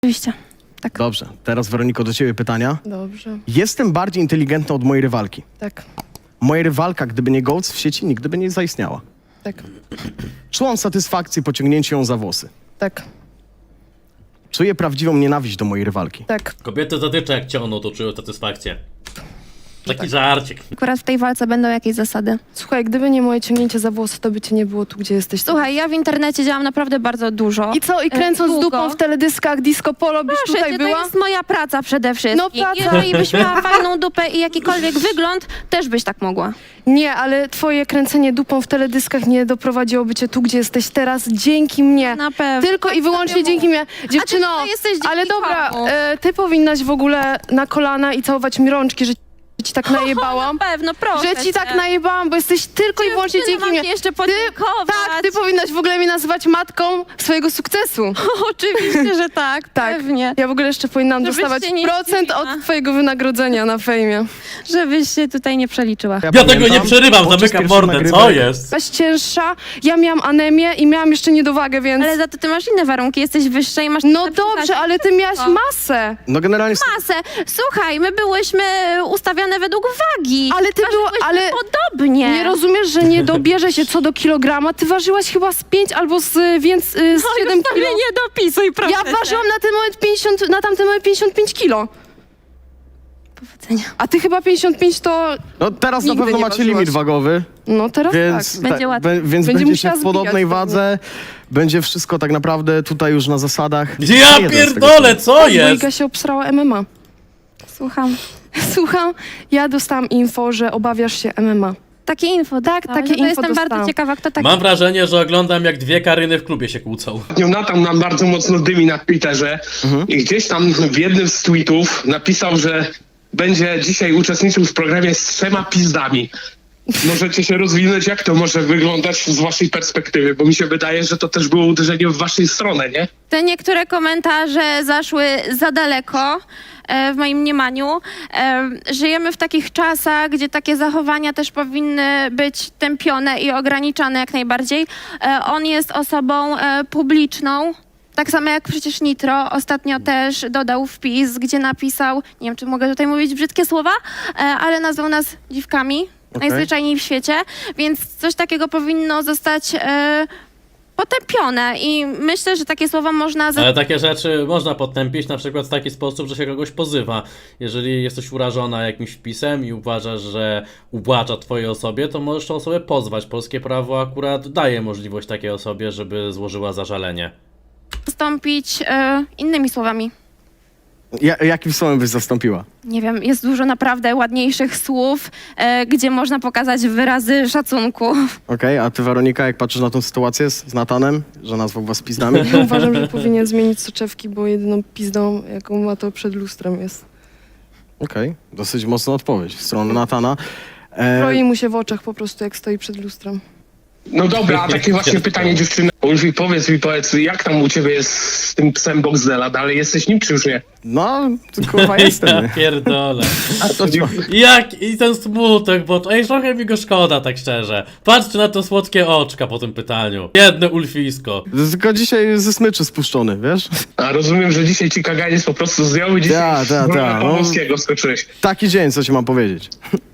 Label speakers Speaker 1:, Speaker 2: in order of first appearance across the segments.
Speaker 1: Oczywiście, tak.
Speaker 2: Dobrze, teraz Weroniko do ciebie pytania.
Speaker 3: Dobrze,
Speaker 2: Jestem bardziej inteligentna od mojej rywalki.
Speaker 3: tak,
Speaker 2: Moja rywalka, gdyby nie Goats w sieci, nigdy by nie zaistniała.
Speaker 3: tak,
Speaker 2: Czułam satysfakcję po ciągnięciu ją za włosy.
Speaker 3: tak,
Speaker 2: Czuję prawdziwą nienawiść do mojej rywalki.
Speaker 3: tak.
Speaker 4: Kobiety zatycza jak ciągną, to czują satysfakcję. Taki żarcik.
Speaker 1: Akurat w tej walce będą jakieś zasady.
Speaker 3: Słuchaj, gdyby nie moje ciągnięcie za włosy, to by cię nie było tu, gdzie jesteś.
Speaker 1: Słuchaj, ja w internecie działam naprawdę bardzo dużo.
Speaker 3: I co? I kręcąc
Speaker 1: długo.
Speaker 3: dupą w teledyskach disco polo byś
Speaker 1: Proszę
Speaker 3: tutaj
Speaker 1: cię,
Speaker 3: była?
Speaker 1: to jest moja praca przede wszystkim.
Speaker 3: No, praca.
Speaker 1: Jeżeli byś miała fajną dupę i jakikolwiek wygląd, też byś tak mogła.
Speaker 3: Nie, ale twoje kręcenie dupą w teledyskach nie doprowadziłoby cię tu, gdzie jesteś teraz, dzięki mnie.
Speaker 1: Na pewno.
Speaker 3: Tylko i
Speaker 1: Tak
Speaker 3: wyłącznie
Speaker 1: sobie
Speaker 3: dzięki mnie. Dziewczyno,
Speaker 1: tutaj jesteś dzięki
Speaker 3: ale dobra,
Speaker 1: komu?
Speaker 3: ty powinnaś w ogóle na kolana i całować mi rączki, że ci tak najebałam.
Speaker 1: Na pewno, proszę
Speaker 3: Że ci
Speaker 1: cię.
Speaker 3: tak najebałam, bo jesteś tylko i wyłącznie
Speaker 1: Dziewczyno,
Speaker 3: dzięki
Speaker 1: mam
Speaker 3: mnie.
Speaker 1: ci jeszcze podziękować.
Speaker 3: Tak, ty powinnaś w ogóle mnie nazywać matką swojego sukcesu.
Speaker 1: Oczywiście, że tak,
Speaker 3: Tak.
Speaker 1: pewnie.
Speaker 3: Ja w ogóle jeszcze powinnam
Speaker 1: Żebyś
Speaker 3: dostawać
Speaker 1: się nie
Speaker 3: procent
Speaker 1: zdziwiła.
Speaker 3: od twojego wynagrodzenia na fejmie.
Speaker 1: Żebyś się tutaj nie przeliczyła.
Speaker 4: Ja tego nie
Speaker 2: pamiętam,
Speaker 4: przerywam,
Speaker 2: podczas
Speaker 4: zamykam
Speaker 2: pierwszych
Speaker 4: mordę, co
Speaker 2: nagrywek-
Speaker 4: jest?
Speaker 3: Byłaś cięższa, ja miałam anemię i miałam jeszcze niedowagę, więc...
Speaker 1: Ale za to ty masz inne warunki, jesteś wyższa i masz...
Speaker 3: No
Speaker 1: lepszy
Speaker 3: dobrze,
Speaker 1: zasięg.
Speaker 3: ale ty miałaś
Speaker 1: No.
Speaker 3: masę.
Speaker 2: No generalnie...
Speaker 1: Masę. Słuchaj, my byłyśmy ustawiane według wagi.
Speaker 3: Ale ty była,
Speaker 1: Ważyłyśmy
Speaker 3: ale
Speaker 1: podobnie.
Speaker 3: nie rozumiesz, że nie dobierze się co do kilograma? Ty ważyłaś chyba z 5 albo z 7
Speaker 1: sobie
Speaker 3: kilo.
Speaker 1: nie dopisuj, proszę
Speaker 3: Ja
Speaker 1: cię.
Speaker 3: ważyłam na ten moment 50, na tamten moment 55 kilo.
Speaker 1: Powodzenia.
Speaker 3: A ty chyba 55 to...
Speaker 2: No teraz na
Speaker 3: Nigdy
Speaker 2: pewno
Speaker 3: nie
Speaker 2: macie
Speaker 3: ważyłaś.
Speaker 2: limit wagowy,
Speaker 3: No teraz
Speaker 2: więc,
Speaker 3: tak.
Speaker 1: Będzie łatwiej.
Speaker 2: więc
Speaker 3: Będzie
Speaker 2: będziecie
Speaker 3: musiała
Speaker 2: w podobnej
Speaker 3: zbijać
Speaker 2: wadze. Będzie wszystko tak naprawdę tutaj już na zasadach.
Speaker 4: Ja
Speaker 2: Jeden z tego
Speaker 4: pierdolę, co
Speaker 3: Bo
Speaker 4: jest?
Speaker 3: Iga się obsrała MMA.
Speaker 1: Słucham.
Speaker 3: Słucham, ja dostałam info, że obawiasz się MMA.
Speaker 1: Takie info, tak?
Speaker 3: takie
Speaker 1: to
Speaker 3: info
Speaker 1: jestem bardzo
Speaker 3: dostałam.
Speaker 1: ciekawa, kto taki...
Speaker 4: Mam wrażenie, że oglądam jak dwie Karyny w klubie się kłócą.
Speaker 5: Jonathan nam bardzo mocno dymi na Twitterze i gdzieś tam w jednym z tweetów napisał, że będzie dzisiaj uczestniczył w programie z 3 pizdami. Możecie się rozwinąć, jak to może wyglądać z waszej perspektywy, bo mi się wydaje, że to też było uderzenie w waszej stronę, nie?
Speaker 1: Te niektóre komentarze zaszły za daleko, w moim mniemaniu. Żyjemy w takich czasach, gdzie takie zachowania też powinny być tępione i ograniczane jak najbardziej. On jest osobą publiczną. Tak samo jak przecież Nitro ostatnio też dodał wpis, gdzie napisał, nie wiem, czy mogę tutaj mówić brzydkie słowa, ale nazwał nas dziwkami, najzwyczajniej w świecie, więc coś takiego powinno zostać potępione i myślę, że takie słowa można...
Speaker 4: Ale takie rzeczy można podtępić na przykład w taki sposób, że się kogoś pozywa. Jeżeli jesteś urażona jakimś wpisem i uważasz, że uwłacza twojej osobie, to możesz tę osobę pozwać. Polskie prawo akurat daje możliwość takiej osobie, żeby złożyła zażalenie.
Speaker 1: zastąpić innymi słowami.
Speaker 2: Jakim słowem byś zastąpiła?
Speaker 1: Nie wiem, jest dużo naprawdę ładniejszych słów, gdzie można pokazać wyrazy szacunku.
Speaker 2: Okej, a ty Weronika, jak patrzysz na tą sytuację z Natanem, że nazwał was pizdami?
Speaker 3: Ja uważam, że powinien zmienić soczewki, bo jedyną pizdą, jaką ma, to przed lustrem jest.
Speaker 2: Okej, dosyć mocna odpowiedź w stronę Natana.
Speaker 3: Kroi mu się w oczach po prostu, jak stoi przed lustrem.
Speaker 5: No dobra, a takie właśnie pytanie dziewczyny. Ulfi, powiedz, jak tam u ciebie jest z tym psem Boxdela? Dalej jesteś nim, czy już nie?
Speaker 2: No, kurwa jestem.
Speaker 4: Ja pierdolę.
Speaker 2: A to co?
Speaker 4: Jak i ten smutek, bo ej, trochę mi go szkoda, tak szczerze. Patrzcie na te słodkie oczka po tym pytaniu. Jedne ulfisko.
Speaker 2: Tylko dzisiaj ze smyczy spuszczony, wiesz?
Speaker 5: A rozumiem, że dzisiaj ci kaganiec po prostu zdjął i dzisiaj
Speaker 2: Ta, no.
Speaker 5: Polskiego skoczyłeś.
Speaker 2: Taki dzień, co ci mam powiedzieć.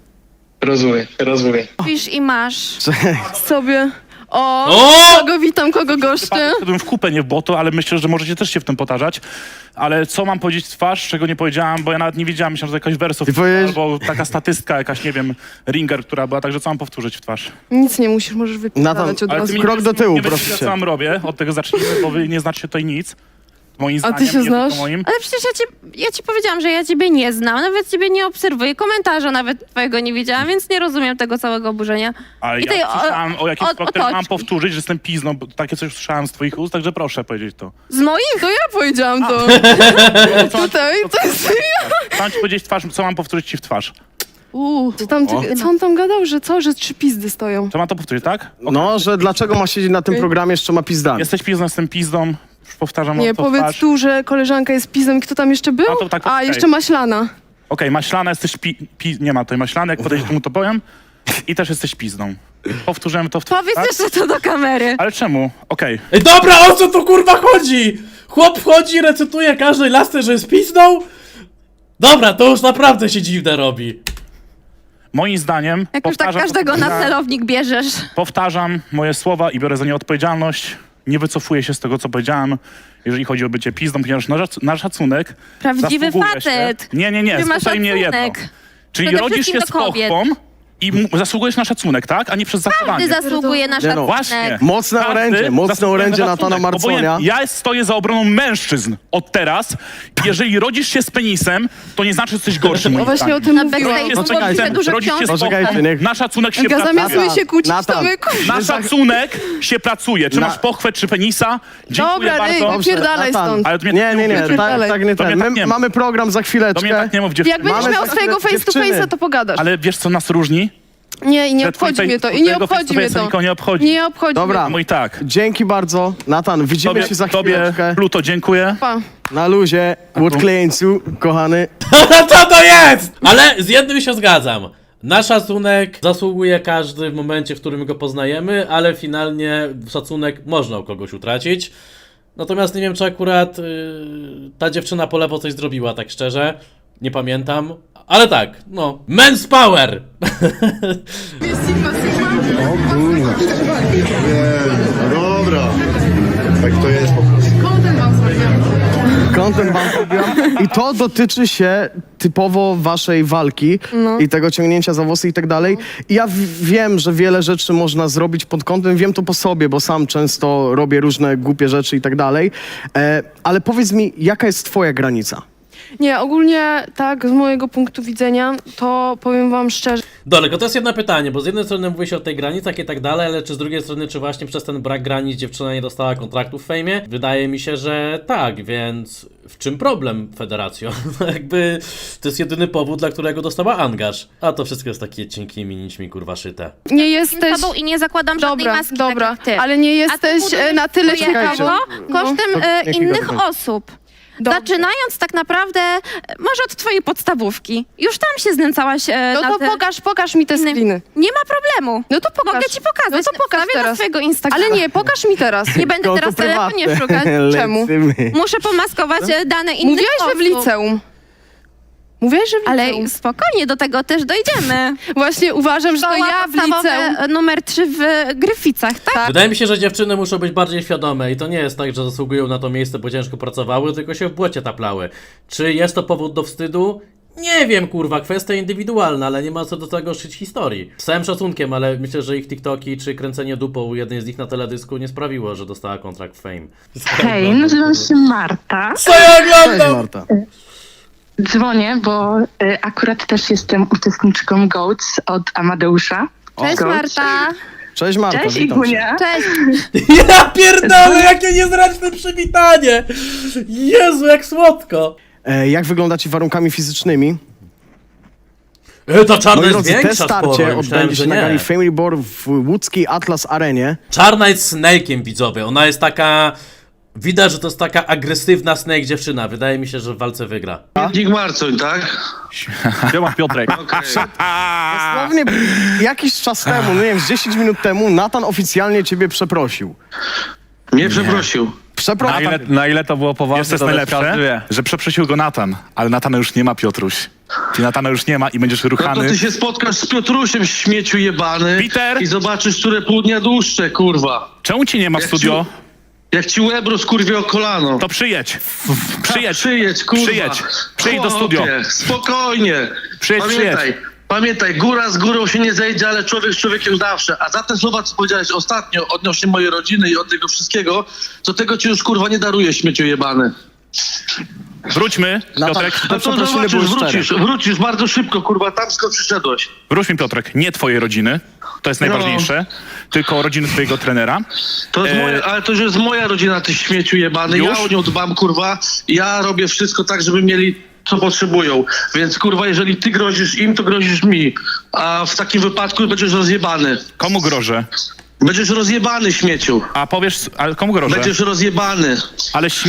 Speaker 5: Rozumiem.
Speaker 1: Pisz i masz.
Speaker 3: Sobie. O!
Speaker 4: O!
Speaker 3: Kogo witam, kogo goszczę?
Speaker 6: Wszedłem w kupę, nie w błoto, ale myślę, że możecie też się w tym potarzać. Ale co mam powiedzieć w twarz, czego nie powiedziałam, bo ja nawet nie wiedziałam, myślałem, że to jakaś wersów,
Speaker 2: Ty powiesz-
Speaker 6: albo taka statystka, jakaś, nie wiem, ringer, która była, także co mam powtórzyć w twarz?
Speaker 3: Nic nie musisz, możesz wypisać od
Speaker 6: Ale
Speaker 3: razu.
Speaker 6: ty mi
Speaker 2: krok do tyłu,
Speaker 6: nie
Speaker 2: proszę
Speaker 6: wiesz,
Speaker 2: cię.
Speaker 6: co mam robię, od tego zacznijmy, bo wy nie znacie tutaj nic. Moim
Speaker 3: A ty
Speaker 6: zdaniem,
Speaker 3: się
Speaker 6: nie
Speaker 3: znasz?
Speaker 6: tylko moim.
Speaker 1: Ale przecież ja ci powiedziałam, że ja ciebie nie znam, nawet ciebie nie obserwuję, komentarza nawet twojego nie widziałam, więc nie rozumiem tego całego oburzenia.
Speaker 6: Ale
Speaker 1: I
Speaker 6: ja
Speaker 1: tej
Speaker 6: słyszałam o jakimś
Speaker 1: o
Speaker 6: które mam
Speaker 1: toczki.
Speaker 6: powtórzyć, że jestem pizną, bo takie coś słyszałam z twoich ust, także proszę powiedzieć to.
Speaker 1: Z moich?
Speaker 3: To ja powiedziałam to. Tutaj, to jest...
Speaker 6: Mam ci powiedzieć w twarz, co mam powtórzyć ci w twarz.
Speaker 3: Co on tam gadał, że co? Że 3 pizdy stoją.
Speaker 6: Co mam to powtórzyć, tak?
Speaker 2: No, że dlaczego ma siedzieć na tym programie z 3 pizdami?
Speaker 6: Jesteś pizdą, jestem pizdą. Już powtarzam
Speaker 3: Nie,
Speaker 6: to w
Speaker 3: powiedz
Speaker 6: twarz.
Speaker 3: tu, że koleżanka jest pizdą i kto tam jeszcze był?
Speaker 6: A to tak,
Speaker 3: A,
Speaker 6: okej.
Speaker 3: jeszcze maślana.
Speaker 6: Okej, maślana, jesteś nie ma tutaj maślany, jak podejdziesz mu to powiem. I też jesteś pizdą. Powtórzyłem to w twarz,
Speaker 1: Powiedz
Speaker 6: tak?
Speaker 1: jeszcze to do kamery.
Speaker 6: Ale czemu? Okej.
Speaker 4: Ej, dobra, o co tu kurwa chodzi? Chłop wchodzi, recytuje każdej lasce, że jest pizdą? Dobra, to już naprawdę się dziwne robi.
Speaker 6: Moim zdaniem,
Speaker 1: Jak już tak każdego na celownik bierzesz.
Speaker 6: powtarzam moje słowa i biorę za nie odpowiedzialność. Nie wycofuję się z tego, co powiedziałem, jeżeli chodzi o bycie pizdą, ponieważ na szacunek
Speaker 1: Prawdziwy
Speaker 6: zasługuje
Speaker 1: facet.
Speaker 6: Się... Nie,
Speaker 1: Ty masz
Speaker 6: słuchaj mnie jedno.
Speaker 1: szacunek.
Speaker 6: Czyli
Speaker 1: Przede
Speaker 6: rodzisz się
Speaker 1: wszystkim
Speaker 6: z
Speaker 1: do kobiet.
Speaker 6: pochwą i zasługujesz na szacunek, tak? A nie przez
Speaker 1: Ty
Speaker 6: zachowanie.
Speaker 1: zasługuje na
Speaker 2: Nie no.
Speaker 1: szacunek.
Speaker 6: Właśnie.
Speaker 2: Mocne
Speaker 6: Każdy
Speaker 2: orędzie, mocne
Speaker 6: zasługuje
Speaker 2: orędzie
Speaker 6: na
Speaker 2: Natana
Speaker 6: szacunek.
Speaker 2: Marconia.
Speaker 6: Obojętnie, ja stoję za obroną mężczyzn od teraz. Jeżeli rodzisz się z penisem, to nie znaczy, że jesteś gorszy, moim
Speaker 3: No właśnie o
Speaker 6: zdaniem.
Speaker 3: tym
Speaker 1: Na
Speaker 3: mówiłam.
Speaker 1: backstage
Speaker 6: Jest
Speaker 1: było
Speaker 6: penisem,
Speaker 1: się dużo
Speaker 6: rodzisz się z
Speaker 1: książek.
Speaker 2: Poczekajcie,
Speaker 6: pochwą,
Speaker 2: niech-
Speaker 6: na szacunek się
Speaker 3: Zamiast
Speaker 6: pracuje.
Speaker 3: my się kłócić, to
Speaker 2: Natan.
Speaker 3: my
Speaker 6: Na szacunek się pracuje. Czy
Speaker 2: Na-
Speaker 6: masz pochwę, czy penisa? Dziękuję
Speaker 3: Dobra,
Speaker 6: bardzo.
Speaker 3: wypierdalaj
Speaker 2: Natan.
Speaker 3: stąd.
Speaker 6: Ale to mnie
Speaker 2: Nie,
Speaker 6: tak
Speaker 2: nie, nie,
Speaker 6: mów,
Speaker 3: Wypierdalaj.
Speaker 2: tak nie
Speaker 6: To mnie
Speaker 2: ten.
Speaker 6: tak
Speaker 2: My
Speaker 6: nie
Speaker 2: mamy program za
Speaker 6: Do mnie
Speaker 2: chwileczkę.
Speaker 6: tak nie mów, dziewczyny.
Speaker 3: Jak będziesz
Speaker 2: Mamy
Speaker 3: miał
Speaker 2: za
Speaker 3: swojego face to
Speaker 2: dziewczyny.
Speaker 3: face'a, to pogadasz.
Speaker 6: Ale wiesz, co nas różni?
Speaker 3: Nie, i nie
Speaker 6: Że twój
Speaker 3: obchodzi mnie to.
Speaker 6: face-
Speaker 3: I nie
Speaker 6: twojego
Speaker 3: obchodzi mnie
Speaker 6: face to face'a
Speaker 3: to.
Speaker 6: nikogo nie obchodzi.
Speaker 3: Nie obchodzi
Speaker 2: Dobra.
Speaker 3: mnie
Speaker 6: No i tak.
Speaker 2: Dzięki bardzo. Natan, widzimy się za
Speaker 6: Tobie,
Speaker 2: chwileczkę.
Speaker 6: Pluto, dziękuję.
Speaker 3: to. Pa.
Speaker 2: Na luzie, Woodkleńcu, kochany.
Speaker 4: Co to jest? Ale z jednym się zgadzam. Na szacunek zasługuje każdy w momencie, w którym go poznajemy, ale finalnie szacunek można u kogoś utracić. Natomiast nie wiem, czy akurat ta dziewczyna po lewo coś zrobiła, tak szczerze. Nie pamiętam. Ale tak, no. Men's power!
Speaker 7: Dobra. Tak to jest po prostu.
Speaker 2: Kątem wam powiedziałam. I to dotyczy się typowo waszej walki i tego ciągnięcia za włosy i tak dalej. I ja wiem, że wiele rzeczy można zrobić pod kątem, wiem to po sobie, bo sam często robię różne głupie rzeczy i tak dalej. Ale powiedz mi, jaka jest twoja granica?
Speaker 3: Nie, ogólnie tak, z mojego punktu widzenia, to powiem wam szczerze,
Speaker 4: Dobra, tylko to jest jedno pytanie, bo z jednej strony mówi się o tej granicach i tak dalej, ale czy z drugiej strony, czy właśnie przez ten brak granic dziewczyna nie dostała kontraktu w fejmie? Wydaje mi się, że tak, więc w czym problem, Federacjo? Jakby to jest jedyny powód, dla którego dostała angaż. A to wszystko jest takie cienkimi nićmi, kurwa, szyte.
Speaker 3: nie
Speaker 1: Jestem
Speaker 3: jesteś...
Speaker 1: tobą i nie zakładam żadnej
Speaker 3: Dobra,
Speaker 1: maski
Speaker 3: dobra,
Speaker 1: tak jak ty.
Speaker 3: ale nie jesteś
Speaker 1: A ty budujesz
Speaker 3: na tyle
Speaker 1: swoje
Speaker 3: ciekawą.
Speaker 1: ego kosztem
Speaker 2: jakiego
Speaker 1: innych
Speaker 2: tego?
Speaker 1: osób.
Speaker 3: Dobrze.
Speaker 1: Zaczynając tak naprawdę, może od twojej podstawówki. Już tam się znęcałaś
Speaker 3: No
Speaker 1: na
Speaker 3: to
Speaker 1: te...
Speaker 3: pokaż mi te
Speaker 1: innym-
Speaker 3: screeny.
Speaker 1: Nie ma problemu.
Speaker 3: No to pokaż.
Speaker 1: Mogę ci pokazać.
Speaker 3: No to pokaż
Speaker 1: Wstawię na
Speaker 3: teraz.
Speaker 1: swojego Instagrama.
Speaker 3: Ale nie, pokaż mi teraz.
Speaker 1: Nie będę
Speaker 2: Konto
Speaker 1: teraz telefonie
Speaker 2: prywatne.
Speaker 1: szukać.
Speaker 3: Czemu?
Speaker 2: Lecimy.
Speaker 1: Muszę pomaskować dane innych
Speaker 3: Mówiłeś, że
Speaker 1: osób.
Speaker 3: w liceum. Mówiłeś, że w liceum.
Speaker 1: Ale spokojnie, do tego też dojdziemy.
Speaker 3: Właśnie uważam, że to
Speaker 1: Szkoła
Speaker 3: ja w
Speaker 1: podstawowe
Speaker 3: liceum.
Speaker 1: numer 3 w Gryficach, tak?
Speaker 4: Wydaje mi się, że dziewczyny muszą być bardziej świadome i to nie jest tak, że zasługują na to miejsce, bo ciężko pracowały, tylko się w błocie taplały. Czy jest to powód do wstydu? Nie wiem, kurwa, kwestia indywidualna, ale nie ma co do tego szyć historii. Z całym szacunkiem, ale myślę, że ich TikToki czy kręcenie dupą u jednej z nich na teledysku nie sprawiło, że dostała kontrakt w Fame.
Speaker 8: Hej, nazywam się Marta.
Speaker 4: Co ja
Speaker 2: Cześć
Speaker 4: oglądam?
Speaker 2: Marta.
Speaker 8: Dzwonię, bo akurat też jestem uczestniczką GOATS od Amadeusza.
Speaker 1: Cześć
Speaker 8: Gość.
Speaker 1: Marta.
Speaker 2: Cześć Marta,
Speaker 8: Cześć
Speaker 2: witam cię.
Speaker 8: Igunia.
Speaker 1: Cześć.
Speaker 4: Ja pierdolę, jakie niezręczne przywitanie! Jezu, jak słodko!
Speaker 2: Jak wygląda ci warunkami fizycznymi?
Speaker 4: Ta czarna
Speaker 2: Moi
Speaker 4: jest
Speaker 2: drodzy, te
Speaker 4: większa sporo,
Speaker 2: starcie
Speaker 4: myślałem,
Speaker 2: odbędzie
Speaker 4: że
Speaker 2: się na
Speaker 4: nie.
Speaker 2: gali Family Board w łódzkiej Atlas Arenie.
Speaker 4: Czarna jest Snake'iem, widzowie. Ona jest taka... Widać, że to jest taka agresywna Snake dziewczyna. Wydaje mi się, że w walce wygra.
Speaker 5: Nick Marcoń, tak?
Speaker 6: Siema Piotrek.
Speaker 5: Okej.
Speaker 2: Dosłownie jakiś czas temu, no nie wiem, z 10 minut temu Natan oficjalnie ciebie przeprosił.
Speaker 5: Mnie przeprosił.
Speaker 2: Przeprosił.
Speaker 9: Na ile to było poważne,
Speaker 6: Jest to
Speaker 9: to
Speaker 6: najlepsze,
Speaker 9: każdy wie.
Speaker 6: że przeprosił go Natan, ale Natana już nie ma, Piotruś. Ty Natana już nie ma i będziesz
Speaker 5: No to
Speaker 6: ruchany.
Speaker 5: ty się spotkasz z Piotrusiem, śmieciu jebany.
Speaker 6: Peter!
Speaker 5: I zobaczysz, które pół dnia dłuższe, kurwa.
Speaker 6: Czemu cię nie ma w
Speaker 5: Jak
Speaker 6: studio?
Speaker 5: Jak ci łeb rozkurwie o kolano.
Speaker 6: To przyjedź. Przyjedź.
Speaker 5: Przyjedź, kurwa.
Speaker 6: Przyjedź do studio.
Speaker 5: Chłopie, spokojnie.
Speaker 6: Przyjedź.
Speaker 5: Pamiętaj, góra z górą się nie zejdzie, ale człowiek z człowiekiem zawsze. A za te słowa, co powiedziałeś ostatnio odnośnie mojej rodziny i od tego wszystkiego, to tego ci już, kurwa, nie daruję, śmieciu jebany.
Speaker 6: Wróćmy, Piotrek.
Speaker 2: Te
Speaker 5: No to
Speaker 2: przeprosiny
Speaker 5: zobaczysz,
Speaker 2: były szczere.
Speaker 5: wrócisz bardzo szybko, kurwa, tam skąd przyszedłeś.
Speaker 6: Wróćmy, Piotrek. Nie twojej rodziny. To jest najważniejsze. Tylko rodziny twojego trenera.
Speaker 5: To jest ale to już jest moja rodzina, ty śmieciu jebany.
Speaker 6: Już?
Speaker 5: Ja o nią dbam, kurwa. Ja robię wszystko tak, żeby mieli co potrzebują. Więc, kurwa, jeżeli ty grozisz im, to grozisz mi. A w takim wypadku będziesz rozjebany.
Speaker 6: Komu grożę?
Speaker 5: Będziesz rozjebany, śmieciu.
Speaker 6: A powiesz, ale komu grożę?
Speaker 5: Będziesz rozjebany.
Speaker 6: Ale śmieci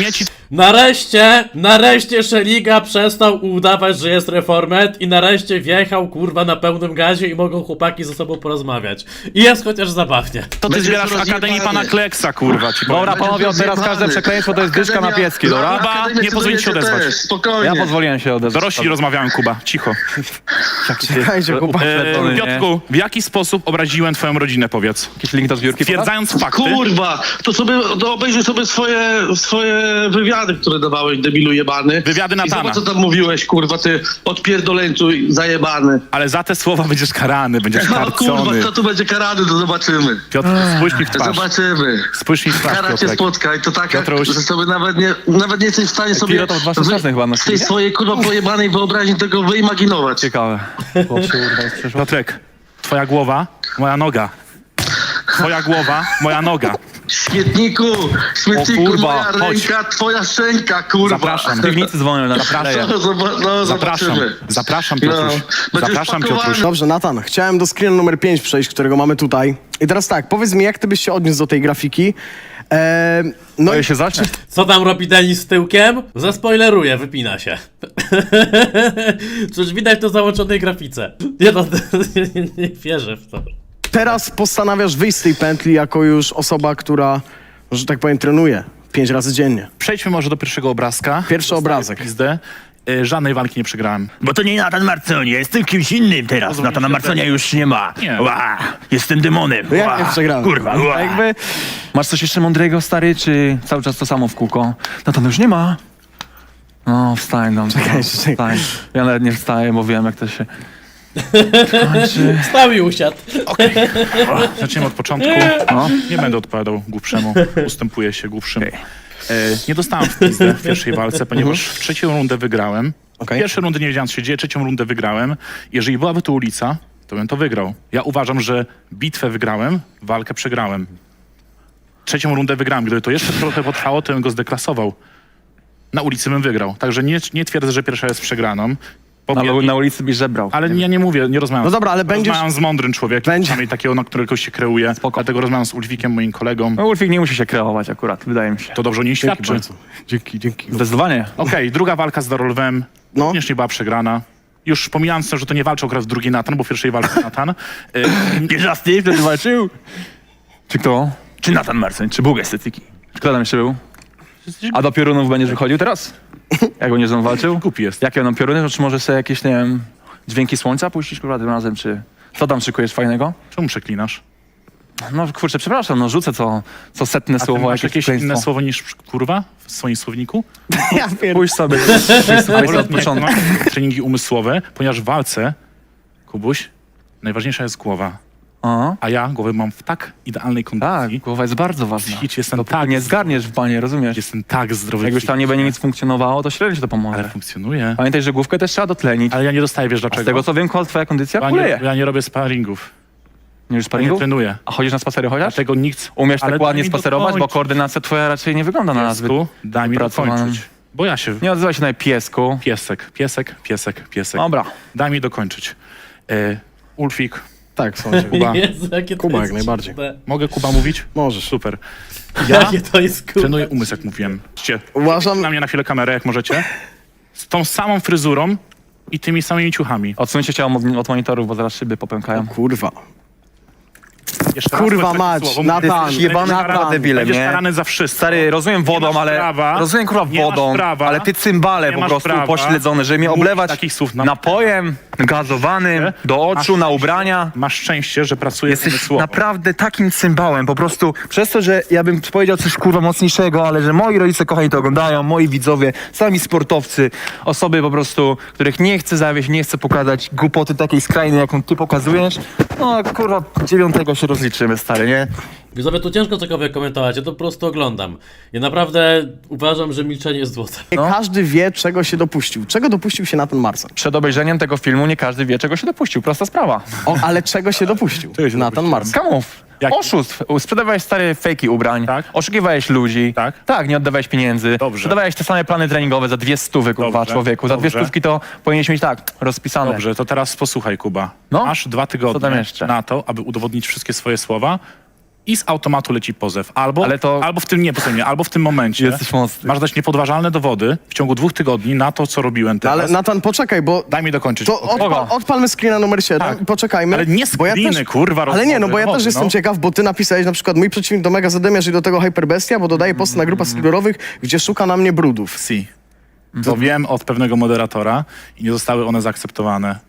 Speaker 4: Nareszcie Szeliga przestał udawać, że jest reformet i nareszcie wjechał, kurwa, na pełnym gazie i mogą chłopaki ze sobą porozmawiać. I jest chociaż zabawnie.
Speaker 6: To ty
Speaker 7: Będzie
Speaker 6: zbierasz w
Speaker 7: rozjebany.
Speaker 6: Akademii Pana Kleksa, kurwa, ci powiem.
Speaker 9: Dobra, panowie, od teraz każde przekleństwo to jest dyszka na piecki, dobra?
Speaker 6: Kuba, nie pozwolić się odezwać.
Speaker 7: Spokojnie.
Speaker 9: Ja pozwoliłem się odezwać.
Speaker 6: Dorośli rozmawiałem, Kuba, cicho.
Speaker 2: Czekajcie, chłopaki.
Speaker 9: nie?
Speaker 6: Piotrku, w jaki sposób obraziłem twoją rodzinę, powiedz?
Speaker 9: Jakiś link do zbiórki?
Speaker 6: Stwierdzając fakty,
Speaker 7: Kurwa, to obejrzyj sobie swoje wywiady, które dawałeś, debilu jebany.
Speaker 6: Wywiady
Speaker 7: I
Speaker 6: Natana.
Speaker 7: zobacz, co tam mówiłeś, kurwa, ty odpierdoleńcu zajebany.
Speaker 6: ale za te słowa będziesz karany, będziesz
Speaker 7: No kurwa,
Speaker 6: karcony.
Speaker 7: kto tu będzie karany, to zobaczymy.
Speaker 6: Piotr, spójrz mi w twarz.
Speaker 7: Zobaczymy.
Speaker 6: Spójrz mi w twarz,
Speaker 7: Kara cię
Speaker 6: Piotrek.
Speaker 7: spotka i to taka,
Speaker 6: Piotruś.
Speaker 7: że sobie nawet nie jesteś w stanie sobie
Speaker 9: Pilota od waszych czasnych chyba
Speaker 7: z
Speaker 9: nosili,
Speaker 7: tej
Speaker 9: nie?
Speaker 7: swojej kurwa pojebanej wyobraźni tego wyimaginować.
Speaker 9: Ciekawe. Chłop się urwał z przeszłości.
Speaker 6: Piotrek, twoja głowa, moja noga. Twoja głowa, moja noga.
Speaker 7: Śmietniku,
Speaker 9: O kurwa,
Speaker 7: moja
Speaker 9: chodź.
Speaker 7: ręka, twoja szczęka, kurwa.
Speaker 6: Zapraszam.
Speaker 9: W piwnicy dzwonią na leje.
Speaker 7: No,
Speaker 6: Zapraszam,
Speaker 7: zobaczymy.
Speaker 6: zapraszam, Piotruś.
Speaker 7: będziesz
Speaker 6: Zapraszam,
Speaker 7: pakowany.
Speaker 6: Piotruś.
Speaker 2: Dobrze, Natan, chciałem do screenu numer 5 przejść, którego mamy tutaj. I teraz tak, powiedz mi, jak ty byś się odniósł do tej grafiki? No
Speaker 9: Boję
Speaker 2: i
Speaker 9: się zacznie.
Speaker 4: Co tam robi Denis z tyłkiem? Zaspoileruję, wypina się. Przecież widać to w załączonej grafice. Nie, no, nie wierzę w to.
Speaker 2: teraz postanawiasz wyjść z tej pętli jako już osoba, która, że tak powiem, trenuje 5 razy dziennie.
Speaker 6: Przejdźmy może do pierwszego obrazka.
Speaker 2: Pierwszy
Speaker 6: Dostaję
Speaker 2: obrazek.
Speaker 6: Pizdę. Żadnej walki nie przegrałem.
Speaker 10: Bo to nie Natan Marconia, jestem kimś innym teraz. Natana Marconia już nie ma.
Speaker 6: Nie.
Speaker 10: Ła, jestem demonem.
Speaker 2: No jak
Speaker 10: Ła,
Speaker 2: nie przegrałem?
Speaker 10: Kurwa, ła.
Speaker 9: Jakby... Masz coś jeszcze mądrego, stary, czy cały czas to samo w kółko? No to już nie ma. No, wstań, no.
Speaker 2: Czekaj.
Speaker 9: Wstań. Ja nawet nie wstaję, bo wiem, jak to się kończy.
Speaker 4: Stał i usiadł.
Speaker 6: Zaczniemy od początku.
Speaker 9: No.
Speaker 6: Nie będę odpowiadał głupszemu. Ustępuję się głupszym. Nie dostałem w pizdę w pierwszej walce, ponieważ w trzecią rundę wygrałem.
Speaker 2: Okej.
Speaker 6: Pierwszej rundy nie wiedziałem, co się dzieje, trzecią rundę wygrałem. Jeżeli byłaby to ulica, to bym to wygrał. Ja uważam, że bitwę wygrałem, walkę przegrałem. Trzecią rundę wygrałem. Gdyby to jeszcze trochę potrwało, to bym go zdeklasował. Na ulicy bym wygrał. Także nie twierdzę, że pierwsza jest przegraną.
Speaker 9: Ale na ulicy byś żebrał.
Speaker 6: Ale ja nie mówię, nie rozmawiam.
Speaker 2: No dobra, ale będziesz-
Speaker 6: Rozmawiam z mądrym człowiekiem, przynajmniej takiego, na którego się kreuje.
Speaker 9: Spoko.
Speaker 6: Dlatego rozmawiam z Ulfikiem, moim kolegą.
Speaker 9: No, Ulfik nie musi się kreować akurat, wydaje mi się.
Speaker 6: To dobrze o niej świadczy.
Speaker 2: Dzięki.
Speaker 9: Zdecydowanie.
Speaker 6: Okej, druga walka z Darolwem
Speaker 2: No.
Speaker 6: również nie była przegrana. Już pomijając to, że to nie walczył akurat drugi Natan, bo w pierwszej walce Natan.
Speaker 10: Pierwszy raz ty wtedy walczył?
Speaker 9: Czy kto?
Speaker 10: Czy Natan Marcoń, czy Bóg estetyki?
Speaker 9: Kto tam jeszcze był? A do piorunów będziesz wychodził teraz? Jak będziesz tam walczył?
Speaker 6: Głupi jest.
Speaker 9: Jakie będą pioruny? Czy może sobie jakieś, nie wiem, dźwięki słońca puścić kurwa tym razem, czy... Co tam szykujesz fajnego?
Speaker 6: Czemu przeklinasz?
Speaker 9: No kurczę, przepraszam, no rzucę co setne
Speaker 6: A ty
Speaker 9: słowo,
Speaker 6: masz jakieś
Speaker 9: przekleństwo.
Speaker 6: inne słowo niż kurwa w swoim słowniku?
Speaker 9: Pójdź sobie, od początku.
Speaker 6: Masz treningi umysłowe, ponieważ w walce, Kubuś, najważniejsza jest głowa.
Speaker 9: Aha.
Speaker 6: A ja głowę mam w tak idealnej
Speaker 9: Tak,
Speaker 6: kondycji.
Speaker 9: głowa jest bardzo ważna.
Speaker 6: Psychicznie jestem
Speaker 9: Dopóki
Speaker 6: tak
Speaker 9: nie zgarniesz w banie, rozumiesz?
Speaker 6: Jestem tak zdrowy.
Speaker 9: Jak już tam nie będzie nic funkcjonowało, to średnio ci to
Speaker 6: Ale
Speaker 9: pomoże.
Speaker 6: funkcjonuje.
Speaker 9: Pamiętaj, że główkę też trzeba dotlenić.
Speaker 6: Ale ja nie dostaję, wiesz
Speaker 9: A
Speaker 6: dlaczego?
Speaker 9: z tego co wiem, twoja kondycja kuleje.
Speaker 6: Ja nie robię sparingów.
Speaker 9: Nie już
Speaker 6: Ja nie
Speaker 9: sparingów?
Speaker 6: trenuję.
Speaker 9: A chodzisz na spacery chociaż?
Speaker 6: Dlatego nikt...
Speaker 9: Umiesz
Speaker 6: Ale
Speaker 9: tak
Speaker 6: daj
Speaker 9: ładnie
Speaker 6: mi
Speaker 9: spacerować, bo
Speaker 6: dokończyć.
Speaker 9: koordynacja twoja raczej nie wygląda na nazwy.
Speaker 6: Piesku, daj mi
Speaker 9: wypracowaną.
Speaker 6: dokończyć. Bo ja się...
Speaker 9: Nie odzywaj się na piesku.
Speaker 6: Piesek.
Speaker 9: Dobra.
Speaker 6: Daj mi dokończyć. Ulfik,
Speaker 2: Tak, sądzę.
Speaker 6: Kuba.
Speaker 4: Jezu, jakie to
Speaker 2: Kuba,
Speaker 4: jest
Speaker 2: jak najbardziej.
Speaker 4: dziwne.
Speaker 6: Mogę Kuba mówić?
Speaker 2: Możesz.
Speaker 6: Super.
Speaker 4: Jakie to jest kurwa.
Speaker 6: Trenuję umysł, jak mówiłem. Patrzcie,
Speaker 2: Uważam,
Speaker 6: na mnie na chwilę kamerę, jak możecie. Z tą samą fryzurą i tymi samymi ciuchami.
Speaker 9: Odsuńcie się od monitorów, bo zaraz szyby popękają.
Speaker 2: kurwa.
Speaker 6: Jeszcze raz
Speaker 2: Kurwa
Speaker 6: powiem takie
Speaker 2: mać,
Speaker 6: słowo,
Speaker 2: Natan,
Speaker 6: będziesz-
Speaker 9: jebany
Speaker 6: będziesz
Speaker 9: kurwa
Speaker 6: karany-
Speaker 9: debilem,
Speaker 6: Będziesz
Speaker 9: nie?
Speaker 6: karany za wszystko.
Speaker 9: Stary, rozumiem
Speaker 6: Nie
Speaker 9: wodą,
Speaker 6: masz
Speaker 9: ale...
Speaker 6: prawa,
Speaker 9: rozumiem kurwa
Speaker 6: nie masz
Speaker 9: wodą,
Speaker 6: prawa,
Speaker 9: ale ty cymbale
Speaker 6: nie
Speaker 9: po
Speaker 6: masz
Speaker 9: prostu
Speaker 6: prawa
Speaker 9: pośledzony, żeby mnie
Speaker 6: mówić
Speaker 9: oblewać
Speaker 6: takich słów na-
Speaker 9: napojem gazowanym do oczu, na
Speaker 6: szczęście-
Speaker 9: ubrania.
Speaker 6: Masz szczęście, że pracujesz
Speaker 9: Jesteś
Speaker 6: umysłowo.
Speaker 9: naprawdę takim cymbałem, po prostu przez to, że ja bym powiedział coś kurwa mocniejszego, ale że moi rodzice kochani to oglądają, moi widzowie, sami sportowcy, osoby po prostu, których nie chcę zawieść, nie chcę pokazać głupoty takiej skrajnej, jaką ty pokazujesz, no kurwa 9 się rozliczymy, stary, nie?
Speaker 4: Widzowie, tu ciężko cokolwiek komentować, ja to po prostu oglądam. Ja naprawdę uważam, że milczenie jest złotem.
Speaker 2: Nie każdy wie, czego się dopuścił. Czego dopuścił się Natan Marcoń?
Speaker 9: Przed obejrzeniem tego filmu nie każdy wie, czego się dopuścił, prosta sprawa.
Speaker 2: Ale czego się dopuścił
Speaker 6: Czego się
Speaker 2: Natan
Speaker 6: dopuścił?
Speaker 2: Marcoń?
Speaker 9: Skamów,
Speaker 6: Jak-
Speaker 9: oszustw, sprzedawałeś stare fejki ubrań,
Speaker 6: Tak.
Speaker 9: oszukiwałeś ludzi,
Speaker 6: Tak.
Speaker 9: nie oddawałeś pieniędzy,
Speaker 6: Dobrze.
Speaker 9: sprzedawałeś te same plany treningowe za 200 kurwa
Speaker 6: Dobrze.
Speaker 9: człowieku, za
Speaker 6: Dobrze.
Speaker 9: 200 to powinieneś mieć tak, rozpisane.
Speaker 6: Dobrze, to teraz posłuchaj, Kuba.
Speaker 9: No.
Speaker 6: Masz 2
Speaker 9: Co tam
Speaker 6: tygodnie
Speaker 9: jeszcze?
Speaker 6: na to, aby udowodnić wszystkie swoje słowa i z automatu leci pozew. Albo,
Speaker 9: Ale to-
Speaker 6: albo w tym, nie, posłuchaj mnie, albo w tym momencie
Speaker 9: Jesteś mocny.
Speaker 6: masz dać niepodważalne dowody w ciągu 2 tygodni na to, co robiłem teraz.
Speaker 2: Ale Natan, poczekaj, bo
Speaker 6: Daj mi dokończyć.
Speaker 2: to odpalmy screena numer 7
Speaker 6: Tak.
Speaker 2: i poczekajmy.
Speaker 6: Ale nie
Speaker 2: bo ja
Speaker 6: screeny,
Speaker 2: też,
Speaker 6: kurwa,
Speaker 2: Ale nie, no bo ja
Speaker 6: rozmowy,
Speaker 2: też jestem
Speaker 6: no.
Speaker 2: ciekaw, bo ty napisałeś na przykład mój przeciwnik do Mega Zadymiarz i do tego Hyperbestia, bo dodaje posty na grupach sklerowych, gdzie szuka na mnie brudów.
Speaker 6: Si. To wiem od pewnego moderatora i nie zostały one zaakceptowane.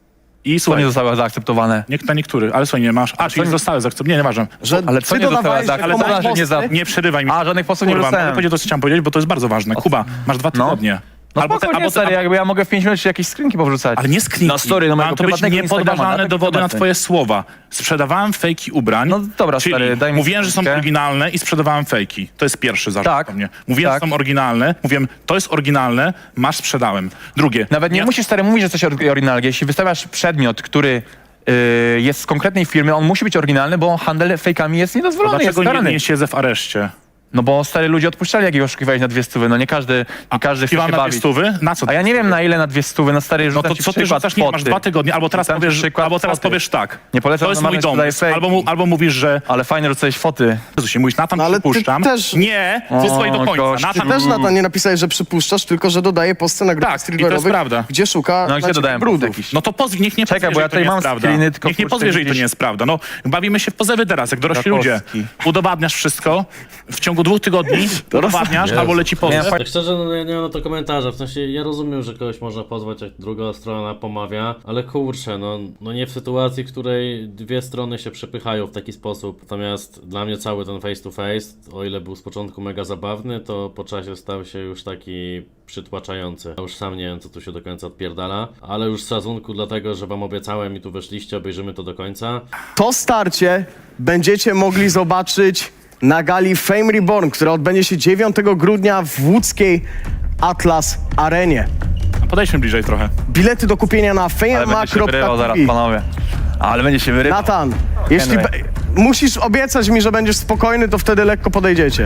Speaker 6: I
Speaker 9: Co
Speaker 6: słuchaj,
Speaker 9: nie zostało zaakceptowane?
Speaker 6: na niektórych, ale słuchaj, nie masz. A, czyli
Speaker 9: nie-
Speaker 6: zostały zaakceptowane. Nie, nieważne.
Speaker 2: Że
Speaker 9: Ale co
Speaker 2: ty
Speaker 9: nie zostało
Speaker 2: dodawałeś, że
Speaker 9: zaakceptowane?
Speaker 2: komuś
Speaker 9: Ale że nie za-
Speaker 2: posty-
Speaker 6: Nie przerywaj mi.
Speaker 9: A, żadnych postów nie
Speaker 6: Kurwa,
Speaker 9: dostałem.
Speaker 6: mogę powiedzieć to, co chciałem powiedzieć, bo to jest bardzo ważne. Kuba, masz 2 tygodnie.
Speaker 9: No spokojnie, stary, jakby ja mogę w 5 minut ci jakieś skrzynki powrzucać.
Speaker 6: Ale nie skrinki.
Speaker 9: Na story, no
Speaker 6: Mają
Speaker 9: mojego
Speaker 6: to być
Speaker 9: prywatnego
Speaker 6: niepodważalne
Speaker 9: Instagrama,
Speaker 6: dowody na
Speaker 9: obecny.
Speaker 6: twoje słowa. Sprzedawałem fejki ubrań.
Speaker 9: No dobra,
Speaker 6: czyli
Speaker 9: stary, daj mi
Speaker 6: mówiłem, że są
Speaker 9: skrzynkę.
Speaker 6: oryginalne i sprzedawałem fejki. To jest pierwszy zarzut
Speaker 9: Tak,
Speaker 6: do mnie. Mówiłem,
Speaker 9: tak.
Speaker 6: że są oryginalne. Mówiłem, to jest oryginalne, masz, sprzedałem. Drugie.
Speaker 9: Nawet nie musisz, stary, mówić, że coś oryginalne. Jeśli wystawiasz przedmiot, który jest z konkretnej firmy, on musi być oryginalny, bo handel fejkami jest niedozwolony, jest
Speaker 6: Dlaczego
Speaker 9: karany.
Speaker 6: nie siedzę w areszcie?
Speaker 9: No bo stary ludzie odpuszczali, jak ich oszukiwałeś na 200, no nie każdy chce
Speaker 6: Kiwam
Speaker 9: się
Speaker 6: na
Speaker 9: bawić.
Speaker 6: 200? Na co?
Speaker 9: A ja nie wiem na ile na 200, no stary,
Speaker 6: No
Speaker 9: rzucam
Speaker 6: to
Speaker 9: ci
Speaker 6: co ty
Speaker 9: przykład
Speaker 6: rzucasz? Nie, masz
Speaker 9: foty.
Speaker 6: 2 tygodnie, albo teraz
Speaker 9: Rzucam ci
Speaker 6: powiesz,
Speaker 9: przykład
Speaker 6: albo teraz
Speaker 9: foty.
Speaker 6: powiesz tak.
Speaker 9: Nie polecam
Speaker 6: To jest
Speaker 9: na
Speaker 6: mój
Speaker 9: marne sprzedaję
Speaker 6: dom.
Speaker 9: fejki.
Speaker 6: Albo mówisz, że
Speaker 9: Ale fajnie rzucałeś foty.
Speaker 6: Jezusie, mówisz, Natan,
Speaker 2: No ale ty
Speaker 6: przypuszczam.
Speaker 2: też-
Speaker 6: Nie, wysłuchaj do końca.
Speaker 9: gość,
Speaker 6: Natan,
Speaker 2: Ty też, Natan, nie napisałeś, że przypuszczasz, tylko że dodaje posty na grupach
Speaker 6: Tak, i to jest prawda.
Speaker 2: gdzie szuka
Speaker 9: No
Speaker 2: na
Speaker 9: gdzie
Speaker 2: ciebie
Speaker 9: dodałem
Speaker 2: brudów.
Speaker 9: jakiś?
Speaker 6: No to niech nie
Speaker 9: Czekaj,
Speaker 6: pozwie,
Speaker 9: bo ja
Speaker 6: że to
Speaker 9: tutaj
Speaker 6: nie
Speaker 9: mam
Speaker 6: jest prawda.
Speaker 9: screeny, tylko
Speaker 6: Niech nie
Speaker 9: kurczę,
Speaker 6: pozwie, że to
Speaker 9: widzisz.
Speaker 6: nie jest prawda. No, bawimy się w pozewy teraz, jak dorośli ludzie.
Speaker 9: Rakowski.
Speaker 6: Udowadniasz wszystko, w ciągu 2 tygodni udowadniasz,
Speaker 4: Jezu.
Speaker 6: albo leci pozew.
Speaker 4: Tak szczerze, no ja nie mam na to komentarza, w sensie ja rozumiem, że kogoś można pozwać, jak druga strona pomawia, ale kurczę, no nie w sytuacji, w której dwie strony się przepychają w taki sposób. Natomiast dla mnie cały ten face to face, o ile był z początku mega zabawny, to po czasie stał się już taki przytłaczający. Ja już sam nie wiem, co tu się do końca odpierdala, ale już z szacunku dlatego, że wam obiecałem i tu weszliście, obejrzymy to do końca.
Speaker 2: To starcie będziecie mogli zobaczyć na gali Fame Reborn, która odbędzie się 9 grudnia w łódzkiej Atlas Arenie.
Speaker 6: Podejdźmy bliżej trochę.
Speaker 2: Bilety do kupienia na
Speaker 9: Ale będzie się wyrywał zaraz,
Speaker 2: fama.tv.
Speaker 9: panowie. Ale będzie się wyrywał.
Speaker 2: Natan, jeśli
Speaker 9: Henry.
Speaker 2: musisz obiecać mi, że będziesz spokojny, to wtedy lekko podejdziecie.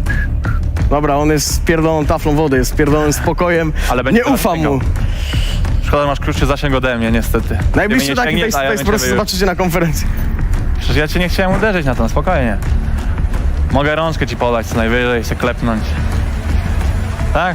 Speaker 2: Dobra, on jest spierdoloną taflą wody, jest spierdolonym spokojem.
Speaker 9: Ale będzie
Speaker 2: Nie ufam
Speaker 9: sięgał.
Speaker 2: mu.
Speaker 9: Szkoda, że masz krótszy zasięg ode mnie, niestety.
Speaker 2: Najbliższy
Speaker 9: Gdyby nie
Speaker 2: taki
Speaker 9: sięgnie,
Speaker 2: face
Speaker 9: to
Speaker 2: to
Speaker 9: ja
Speaker 2: face
Speaker 9: bym
Speaker 2: po prostu
Speaker 9: ciebie już-
Speaker 2: zobaczycie na konferencji.
Speaker 9: Przecież ja cię nie chciałem uderzyć na to, spokojnie. Mogę rączkę ci podać co najwyżej, się klepnąć. Tak?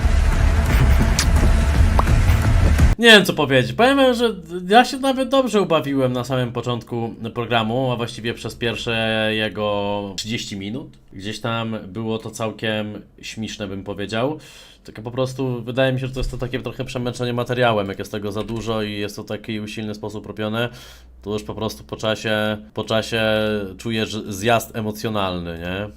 Speaker 4: Nie wiem co powiedzieć. Powiem wam, że ja się nawet dobrze ubawiłem na samym początku programu, a właściwie przez pierwsze jego 30 minut. Gdzieś tam było to całkiem śmieszne, bym powiedział. Tylko po prostu wydaje mi się, że to jest to takie trochę przemęczenie materiałem, jak jest tego za dużo i jest to w taki usilny sposób robione, to już po prostu po czasie czujesz zjazd emocjonalny, nie?